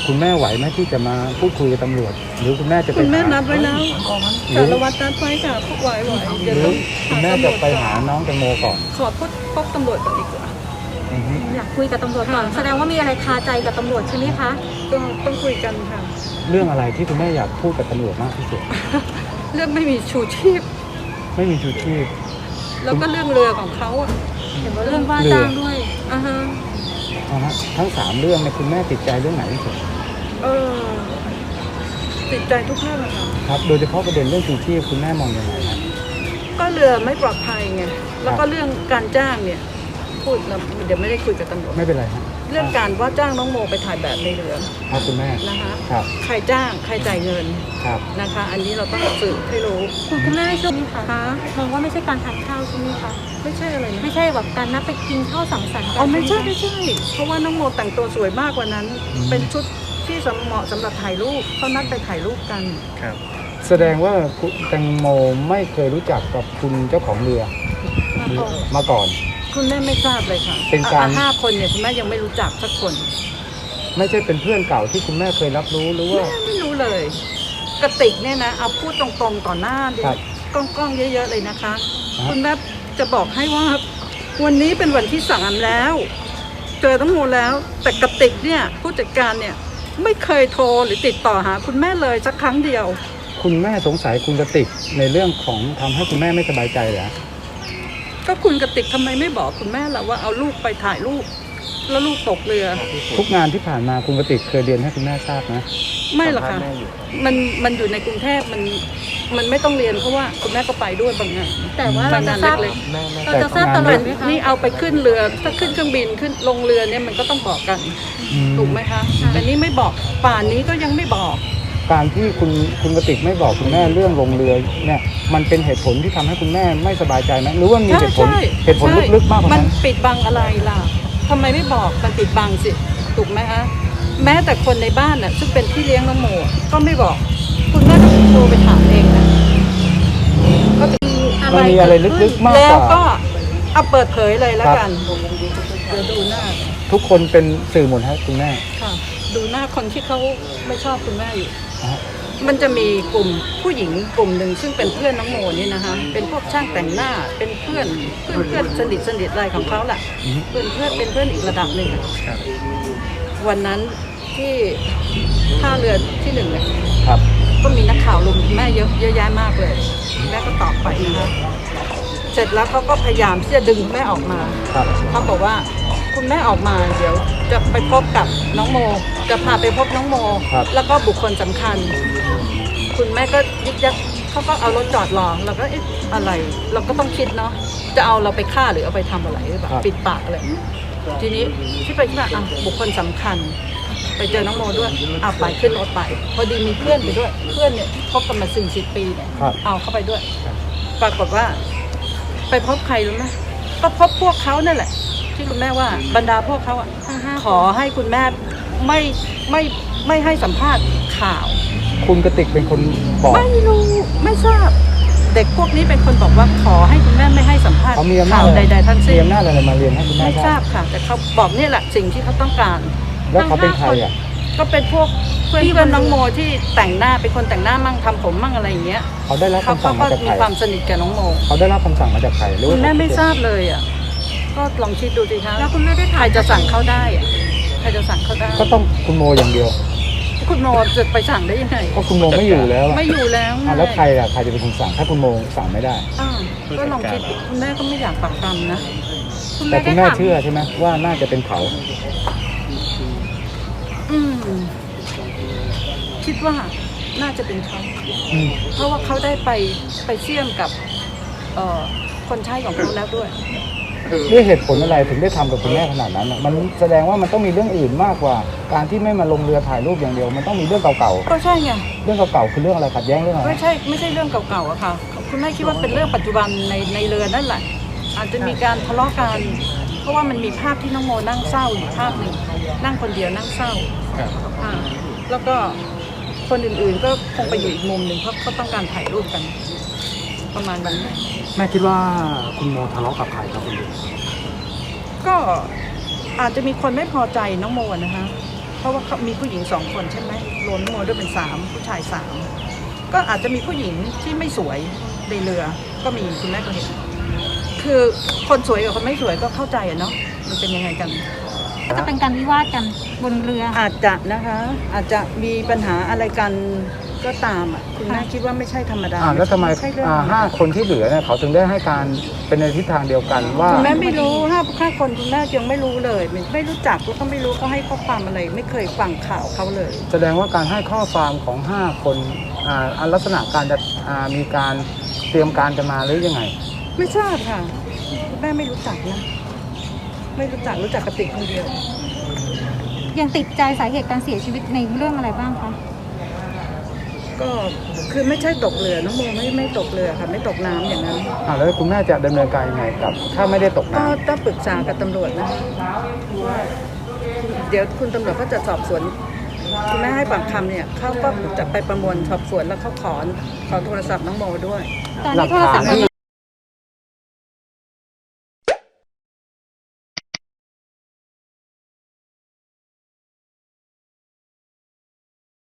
คุณแม่ไหวไหมที่จะมาพูดคุยกับตำรวจหรือคุณแม่จะไปคุณแม่หานัดไว้แล้วสารวัตรนัดไว้ค่ะพวกไหวเดี๋ยวหรืต้อองคุณแม่จะไปหาน้องแตงโมก่อนขอพบตำรวจก่อนดีกว่าอือฮึอยากคุยกับตำรวจก่อน แสดงว่ามีอะไรคาใจกับตำรวจใช่ไหมคะต้องคุยกันค่ะเรื่องอะไรที่คุณแม่อยากพูดกับตำรวจมากที่สุดเรื่องไม่มีชูชีพไม่มีชูชีพแล้วก็เรื่องเรือของเขาอ่ะเห็นว่าเรื่องว่าจ้างด้วยอ่าฮะนะฮะทั้ง3เรื่องเนี่ยคุณแม่ติดใจเรื่องไหนที่สุดเออติดใจทุกเรื่องอะค่ะครับโดยเฉพาะประเด็นเรื่องชูชีพคุณแม่มองยังไงครับก็เรือไม่ปลอดภัยไงแล้วก็เรื่องการจ้างเนี่ยพูดแล้วเดี๋ยวไม่ได้คุยกับตำรวจไม่เป็นไรฮะเรื่องการว่าจ้างน้องโมไปถ่ายแบบในเรือครับคุณแม่นะคะครับใครจ้างใครจ่ายเงินครับนะคะ อันนี้เราต้องสืบให้รู้คุณแม่ใช่ไหมคะคะมองว่าไม่ใช่การทานข้าวใช่ไหมคะไม่ใช่อะไรนะไม่ใช่แบบการนัดไปกินข้าวสังสรรค์กัอ๋อไม่ใช่หไม่ใช่ เพราะว่าน้องโมแต่งตัวสวยมากกว่านั้น เป็นชุดที่เหมาะสำหรับถ่ายรูปเขานัดไปถ่ายรูปกันครับแสดงว่าคุณแตงโมไม่เคยรู้จักกับคุณเจ้าของเรือมาก่อนคุณแม่ไม่ทราบเลยค่ะเป็นการ 5 คนเนี่ยคุณแม่ยังไม่รู้จักสักคนไม่ใช่เป็นเพื่อนเก่าที่คุณแม่เคยรับรู้หรือว่าแม่ไม่รู้เลย กระติกเนี่ยนะเอาพูดตรงๆต่อหน้าดิครับกล้องๆเยอะๆเลยนะคะครับคุณแม่จะบอกให้ว่า วันนี้เป็นวันที่3แล้ว เจอทั้งโมแล้ว แต่กระติกเนี่ยผู้จัดการเนี่ยไม่เคยโทรหรือติดต่อหาคุณแม่เลยสักครั้งเดียวคุณแม่สงสัยคุณกติกในเรื่องของทำให้คุณแม่ไม่สบายใจเหรอก็คุณกระติกทำไมไม่บอกคุณแม่ล่ะว่าเอาลูกไปถ่ายรูปแล้วลูกตกเรือทุกงานที่ผ่านมาคุณกติกเคยเรียนให้คุณแม่ทราบนะไม่หรอกค่ะมันอยู่ในกรุงเทพมันไม่ต้องเรียนเพราะว่าคุณแม่ก็ไปด้วยบางงานแต่ว่าเราบางจะงานทราบเล็กเราจะทราบตลอดไหมคะนี่เอาไปขึ้นเรือถ้าขึ้นเครื่องบินขึ้นลงเรือเนี่ยมันก็ต้องบอกกันอืมถูกไหมคะแต่นี่ไม่บอกป่านนี้ก็ยังไม่บอกการที่คุณกติกไม่บอกคุณแม่เรื่องลงเรือเนี่ยมันเป็นเหตุผลที่ทำให้คุณแม่ไม่สบายใจไหมหรือว่ามีเหตุผลใช่เหตุผลลึกๆมากกว่ามันนั้นปิดบังอะไรล่ะทำไมไม่บอกมันปิดบังสิถูกไหมคะแม้แต่คนในบ้านน่ะซึ่งเป็นพี่เลี้ยงน้องโมก็ไม่บอก คุณแม่ก็โทรไปถามเองนะก็จะมันมีอะไรลึกๆมากแล้กวว่าก็เอาเปิดเผยเลยแล้วกันเดี๋ยวดูหน้าทุกคนเป็นสื่อหมดฮะคุณแม่ค่ะ ดูหน้าคนที่เขาไม่ชอบคุณแม่อยู่นะฮะมันจะมีกลุ่มผู้หญิงกลุ่มหนึ่งซึ่งเป็นเพื่อนน้องโมนี่นะคะเป็นพวกช่างแต่งหน้าเป็นเพื่อนสนิทอะไรของเขาแหละเป็นเพื่อนอีกระดับหนึ่งอะวันนั้นที่ท่าเรือที่1เนี่ยครับก็มีนักข่าวลุมแม่เยอะแยะมากเลยแม่ก็ตอบไปนะคะเสร็จแล้วเขาก็พยายามที่จะดึงแม่ออกมาครับเขาบอกว่าคุณแม่ออกมาเดี๋ยวจะไปพบกับน้องโม จะพาไปพบน้องโม แล้วก็บุคคลสำคัญ คุณแม่ก็ยึกยักเขาก็เอารถจอดรอเราก็เอ๊ะอะไร เราก็ต้องคิดเนาะจะเอาเราไปฆ่าหรือเอาไปทำอะไรหรือเปล่าปิดปากเลยทีนี้ที่ไปที่มาบุคคลสำคัญ ไปเจอน้องโมด้วยเอาไปขึ้นรถไป พอดีมีเพื่อนไปด้วย เพื่อนเนี่ยคบกันมา40 ปีเนี่ยครับเอาเข้าไปด้วย ปรากฏว่า ไปพบใครรู้ไหมก็พบพวกเขานั่นแหละ ที่คุณแม่ว่าบรรดาพวกเขาอ่ะทั้งห้าขอให้คุณแม่ไม่ให้สัมภาษณ์ข่าวคุณกติกเป็นคนบอกไม่รู้ไม่ทราบ เด็กพวกนี้เป็นคนบอกว่าขอให้คุณแม่ไม่ให้สัมภาษณ์เขามีอำนาข่าจวใดๆทั้งมีสิ้นอำนาจอะไรมาเรียนให้คุณแม่ไม่ททราราบบค่ะ แต่เขาบอกนี่แหละสิ่งที่เขาต้องการแล้วเขาเป็นใครอ่ะก็เป็นพวกเพื่อนน้องโมที่แต่งหน้าเป็นคนแต่งหน้ามั่งทำผมมั่งอะไรอย่างเงี้ยเขาได้รับเขาคำสั่งก็มาจากมีใครความสนิทกับน้องโมเขาได้รับคำสั่งมาจากใครหรือคุว่าณแม่ไม่ทราบเลยอ่ะก็ลองคิดดูสิคะแล้วคุณแม่ได้ใคถาร มจะสั่งเขาได้อะใครจะสั่งเขาได้ก็ต้องคุณโมอย่างเดียวคุณโมจะไปสั่งได้ยังไงก็คุณโมไม่อยู่แล้วอะไม่อยู่แล้วไงอ่ะแล้วใครอ่ะใครจะเป็นคนสั่งถ้าคุณโมสั่งไม่ได้อ้าวก็ลองคิดคุณแม่ก็ไม่อยากปักปำนะแต่คุณแม่เชื่อใช่ไหมว่าน่าจะเป็นเขาอืมคิดว่าน่าจะเป็นเขาอืมเพราะว่าเขาได้ไปเชื่อมกับคนใช้ของเขาแล้วด้วยด้วยเหตุผลอะไรถึงได้ทำกับคุณแม่ขนาดนั้นอะมันแสดงว่ามันต้องมีเรื่องอื่นมากกว่า การที่ไม่มาลงเรือถ่ายรูปอย่างเดียว มันต้องมีเรื่องเก่าก็ใช่ไงๆเรื่องเก่าๆคือเรื่องอะไรขัดแย้งเรื่องอะไรไม่ใช่เรื่องเก่าๆอะค่ะคุณแม่คิดว่าเป็นเรื่องปัจจุบันในเรือนั่นแหละ อาจจะมีการทะเลาะกันเพราะว่ามันมีภาพที่น้องโมนั่งเศร้าอยู่ภาพหนึ่งนั่งคนเดียวนั่งเศร้าอ่าแล้วก็คนอื่นๆก็คงไปอยู่อีกมุมหนึ่งเพราะเขาต้องการถ่ายรูปกัน ประมาณนั้นแม่คิดว่าคุณโมทะเลาะกับใครครับคุณก็อาจจะมีคนไม่พอใจน้องโมนะคะราะว่าเขามีผู้หญิง2 คนใช่ไหมรวมน้องโมด้วยเป็น3ผู้ชาย3ก็อาจจะมีผู้หญิงที่ไม่สวยในเรือก็มีคุณแม่ก็เห็นคือคนสวยกับคนไม่สวยก็เข้าใจอะเนาะมันเป็นยังไงกันก็จะเป็นการวิวาทกันบนเรืออาจจะนะคะอาจจะมีปัญหาอะไรกันก็ตามอ่ะคุณแม่คิดว่าไม่ใช่ธรรมดาแล้วทำไมใช่เรื่อง 5 คนที่เหลือเนี่ยเขาถึงได้ให้การเป็นในทิศทางเดียวกันว่าคุณแม่ไม่รู้ห้าคนคุณแม่ยังไม่รู้เลยไม่รู้จักแล้วก็ไม่รู้เขาให้ข้อความอะไรไม่เคยฟังข่าวเขาเลยแสดงว่าการให้ข้อความของ 5 คนลักษณะการจะมีการเตรียมการจะมาหรือยังไงไม่ทราบค่ะคุณแม่ไม่รู้จักนะไม่รู้จักกระติกคนเดียวยังติดใจสาเหตุการเสียชีวิตในเรื่องอะไรบ้างคะก็คือไม่ใช่ตกเรือน้องโมไม่ตกเรือค่ะไม่ตกน้ำอย่างนั้นแล้วคุณแม่จะดำเนินการยังไงกับ ถ้าไม่ได้ตกก็น้ำต้องปรึกษากับตำรวจนะว่าเดี๋ยวคุณตำรวจก็จะสอบสวนคุณแม่ให้ปากคำเนี่ยเขาก็จะไปประมวลสอบสวนแล้วเขาขอโทรศัพท์น้องโมด้วยตอนนี้โทรศัพท์